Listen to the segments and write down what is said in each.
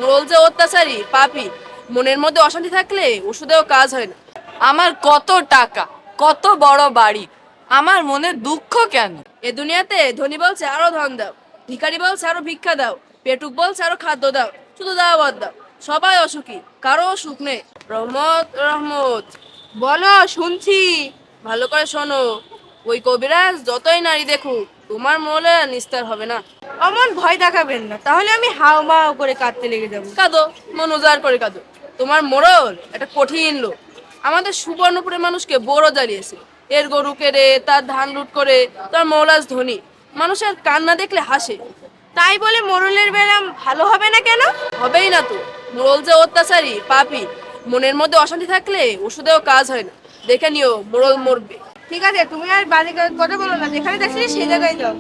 মোড়ল যে অত্যাচারী পাপী, মনের মধ্যে অশান্তি থাকলে ওষুধেও কাজ হয় না। আমার কত টাকা, কত বড় বাড়ি, আমার মনে দুঃখ কেন? এ দুনিয়াতে ধনী বলছে আরো ধন দাও, ভিখারি বলছে আরো ভিক্ষা দাও, পেটুক বলছে আরো খাদ্য দাও, শুধু দাওয়াত দাও। সবাই অসুখী, কারো সুখ নেই। রহমত রহমত। বলো, শুনছি। ভালো করে শোনো, ওই কবিরাজ যতই নারী দেখুক তোমার মোলে নিস্তার হবে না। অমন ভয় দেখাবেন না, তাহলে আমি হাও মাও করে কাঁদতে লেগে যাবো। কাঁদো, মন উজাড় করে কাঁদো। তোমার মোড়ল একটা কঠিন লোক, আমাদের সুবর্ণপুরের মানুষকে বড় জ্বালিয়েছে। এর গরু কেড়ে তার ধান লুট করে তার মৌলাজ ধনী, মানুষের কান্না দেখলে হাসে। তাই বলে মোড়লের বেলাম ভালো হবে না কেন? হবেই না তো, মোড়ল যে অত্যাচারী পাপী, মনের মধ্যে অশান্তি থাকলে ওষুধেও কাজ হয় না। দেখে নিও মোড়ল মরবে। ঠিক আছে, তুমি আর বাজে কথা বলো না, যেখানে যাচ্ছি সেই জায়গায় যাও।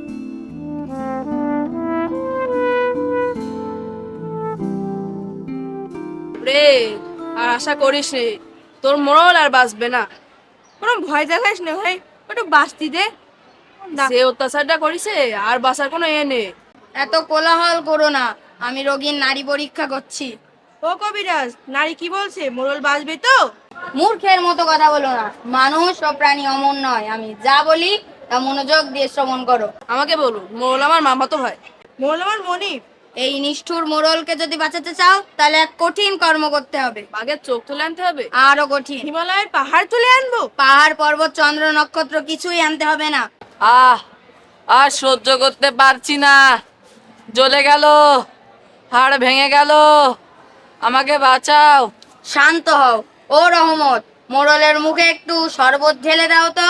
রে, আর আশা করিস রে, তোর মোড়ল আর বাঁচবে না। কোনো ভয় দেখাস না ভাই, একটু বাস্তি দে না। যে অত্যাচারটা করেছে আর বাঁচার কোনো এ নেই। এত কোলাহল করো না, আমি রোগীর নাড়ি পরীক্ষা করছি। ও কবিরাজ, নারী কি বলছে? মোড়ল বাঁচবে তো? মূর্খের মতো কথা বলো না, মানুষ ও প্রাণী অমন নয়। আমি যা বলি তা মনোযোগ দিয়ে শ্রবণ করো। আমাকে বলুন, মোড়ল আমার মামাতো ভাই। মোড়ল আমার মনিব। এই নিষ্ঠুর মোড়লকে যদি বাঁচাতে চাও তাহলে এক কঠিন কর্ম করতে হবে। বাঘের চোখ তুলে আনতে হবে? আরো কঠিন। হিমালয়ের পাহাড় তুলে আনবো? পাহাড়, পর্বত, চন্দ্র, নক্ষত্র কিছুই আনতে হবে না। আহ, আর সহ্য করতে পারছি না, জ্বলে গেল, হাড় ভেঙে গেল, আমাকে বাঁচাও। শান্ত হও। ও রহমত, মোড়লের মুখে একটু শরবত ঢেলে দাও তো।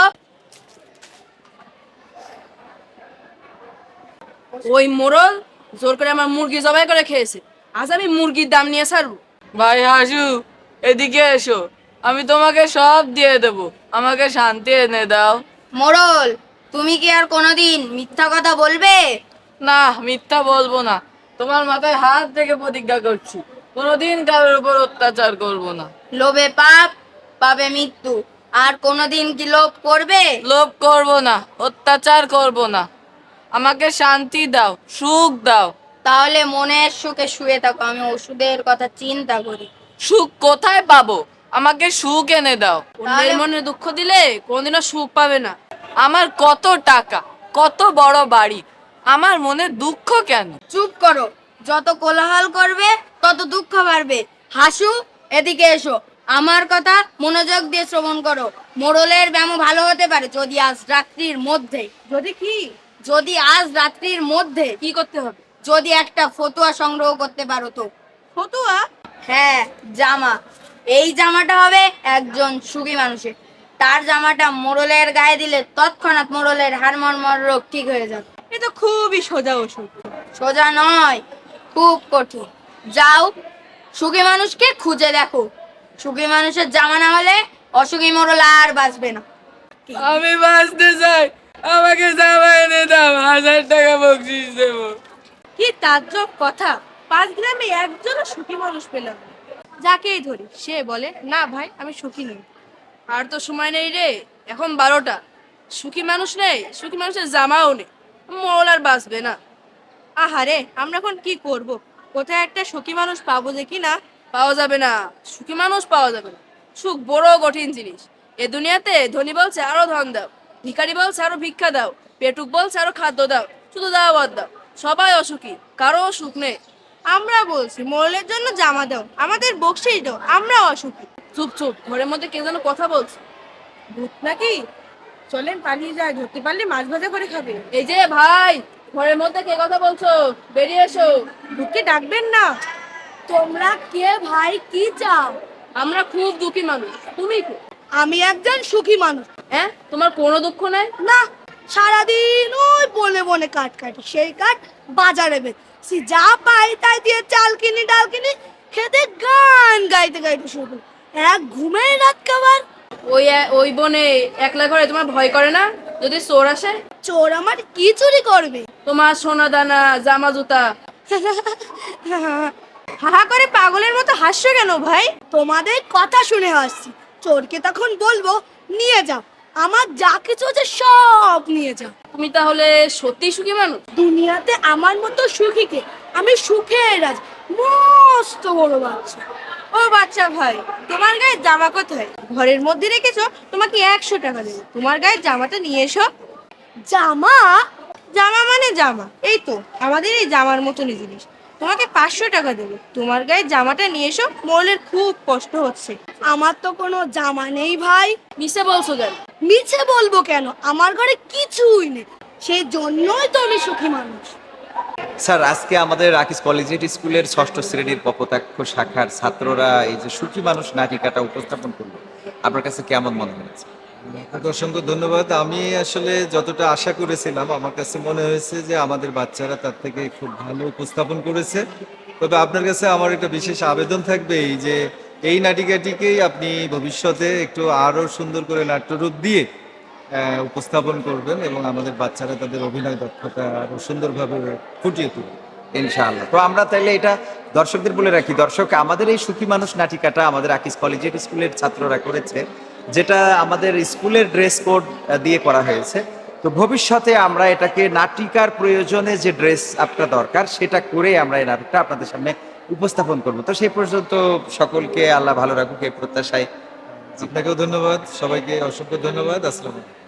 ওই মোড়ল জোর করে আমার মুরগি জবাই করে খেয়েছে, আজ আমি মুরগির দাম নিয়ে ছাড়বো। ভাই হাসু, এদিকে এসো, আমি তোমাকে সব দিয়ে দেব, আমাকে শান্তি এনে দাও। মোড়ল, তুমি কি আর কোনোদিন মিথ্যা কথা বলবে? না, মিথ্যা বলবো না, তোমার মাথায় হাত থেকে প্রতিজ্ঞা করছি কোনোদিন কারোর উপর অত্যাচার করব না। লোভে পাপ, পাবে মৃত্যু। আর কোনোদিন কি লোভ করবে? লোভ করব না, অত্যাচার করব না, আমাকে শান্তি দাও, সুখ দাও। তাহলে মনের সুখে শুয়ে থাকো, আমি ওষুধের কথা চিন্তা করি। সুখ কোথায় পাবো? আমাকে সুখ এনে দাও। অন্যের মনে দুঃখ দিলে কোনোদিনও সুখ পাবে না। আমার কত টাকা, কত বড় বাড়ি, আমার মনে দুঃখ কেন? চুপ করো, যত কোলাহল করবে তত দুঃখ বাড়বে। হাসু, এদিকে এসো, আমার কথা মনোযোগ দিয়ে শ্রবণ করো। মোড়লের ব্যায়াম ভালো হতে পারে যদি আজ রাত্রির মধ্যে, যদি কি? যদি আজ রাত্রির মধ্যে কি করতে হবে? যদি একটা ফতুয়া সংগ্রহ করতে পারো তো। ফতুয়া? হ্যাঁ, জামা। এই জামাটা হবে একজন সুখী মানুষের। তার জামাটা মোড়লের গায়ে দিলে তৎক্ষণাৎ মোড়লের হাড়মর্মর রোগ ঠিক হয়ে যাবে। এ তো খুবই সোজা ওষুধ। সোজা নয়, খুব কঠিন। যাও, সুখী মানুষকে খুঁজে দেখো। সুখী মানুষের জামা না হলে অসুখী মোড়ল আর বাঁচবে না। আমি বাঁচতে চাই, আমাকে জামা এনে দাও, 1000 টাকা বকশিস দেবো। কি তাজ্জব কথা! 5 গ্রামে একজনও সুখী মানুষ পেলাম না। যাকেই ধরি সে বলে না ভাই আমি সুখী নই। আর তো সময় নেই রে, এখন 12টা। সুখী মানুষ নেই, সুখী মানুষের জামাও নেই, মোড়ল আর বাঁচবে না। আহারে, আমরা এখন কি করব? কোথায় একটা সুখী মানুষ পাবো দেখি না? পাওয়া যাবে না, সুখী মানুষ পাওয়া যাবে না। সুখ বড় কঠিন জিনিস। এ দুনিয়াতে ধনী বলছে আরো ধন দাও, ভিখারি বলছে আরো ভিক্ষা দাও, পেটুক বলছে আরো খাদ্য দাও, শুধু দাওয়াত দাও। সবাই অসুখী, কারো সুখ নেই। আমরা বলছি মোড়লের জন্য জামা দাও, আমাদের বকশিশ দাও, আমরা অসুখী। চুপ চুপ, ঘরের মধ্যে কে যেন কথা বলছে। ভূত নাকি? চলেন পালিয়ে যায়, ধরতে পারলে মাছ ভাজা করে খাবে। এই যে ভাই, ঘরের মধ্যে কে কথা বলছো? বেরিয়ে এসো। ভূতকে ডাকবেন না। তোমরা কে ভাই, কি চাও? আমরা খুব দুঃখী মানুষ, তুমি কে? আমি একজন সুখী মানুষ। হ্যাঁ, তোমার কোনো দুঃখ নেই? না, সারাদিন ওই বনে বনে কাঠ কাটি, সেই কাঠ বাজারে বেচি, যা পাই তাই দিয়ে চাল কিনি ডাল কিনি, খেতে গান গাইতে গাইতে শুরু করি। এক ঘুমেই রাত কাবার। ওই বনে একলা ঘরে তোমার ভয় করে না যদি চোর আসে? চোর আমার কি চুরি করবে? তোমার সোনা দানা, জামা জুতা। হাহা করে পাগলের মতো হাসছো কেন ভাই? তোমাদের কথা শুনে হাসছি। চোরকে তখন বলবো নিয়ে যাও, আমার যা কিছু আছে সব নিয়ে যাও। তুমি তাহলে সত্যি সুখী মানুষ? দুনিয়াতে আমার মতো সুখীকে, আমি সুখের রাজ। মস্ত বড় বাচ্চা। ও বাচ্চা ভাই, তোমার গায়ে জামা কোথায়? ঘরের মধ্যে রেখেছো, তোমাকে 100 টাকা দেবো, তোমার গায়ে জামাটা নিয়ে এসো। জামা? জামা মানে জামা, এই তো আমাদের এই জামার মতনই জিনিস। তোমাকে 500 টাকা দেবো, তোমার গায়ে জামাটা নিয়ে এসো, মোড়লের খুব কষ্ট হচ্ছে। আমার তো কোনো জামা নেই ভাই। মিশে বলছো কেন? মিছে বলবো কেন, আমার ঘরে কিছুই নেই, সেই জন্যই তো আমি সুখী মানুষ। স্যার, আজকে আমাদের রাকিস কলেজিয়েট স্কুলের 6ষ্ঠ শ্রেণীর কপোতাক্ষ শাখার ছাত্ররা এই যে সুখী মানুষ নাটিকাটা উপস্থাপন করলো, আপনার কাছে কেমন মনে হয়েছে? আপনাকে অসংখ্য ধন্যবাদ। আমি আসলে যতটা আশা করেছিলাম, আমার কাছে মনে হয়েছে যে আমাদের বাচ্চারা তার থেকে খুব ভালো উপস্থাপন করেছে। তবে আপনার কাছে আমার একটা বিশেষ আবেদন থাকবে, এই যে এই নাটিকাটিকেই আপনি ভবিষ্যতে একটু আরও সুন্দর করে নাট্যরূপ দিয়ে উপস্থাপন করবেন এবং আমাদের বাচ্চারা তাদের অভিনয় দক্ষতা আরও সুন্দরভাবে ফুটিয়ে তুলবে। ইনশাআল্লাহ। তো আমরা তাইলে এটা দর্শকদের বলে রাখি, দর্শক, আমাদের এই সুখী মানুষ নাটিকাটা আমাদের রাকিস কলেজিয়েট স্কুলের ছাত্ররা করেছে, যেটা আমাদের স্কুলের ড্রেস কোড দিয়ে করা হয়েছে। তো ভবিষ্যতে আমরা এটাকে নাটিকার প্রয়োজনে যে ড্রেস আপটা দরকার সেটা করে আমরা এই নাটকটা আপনাদের সামনে উপস্থাপন করব। তো সেই পর্যন্ত সকলকে আল্লাহ ভালো রাখুক এই প্রত্যাশায়। আপনাকেও ধন্যবাদ, সবাইকে অসংখ্য ধন্যবাদ। আসসালামু আলাইকুম।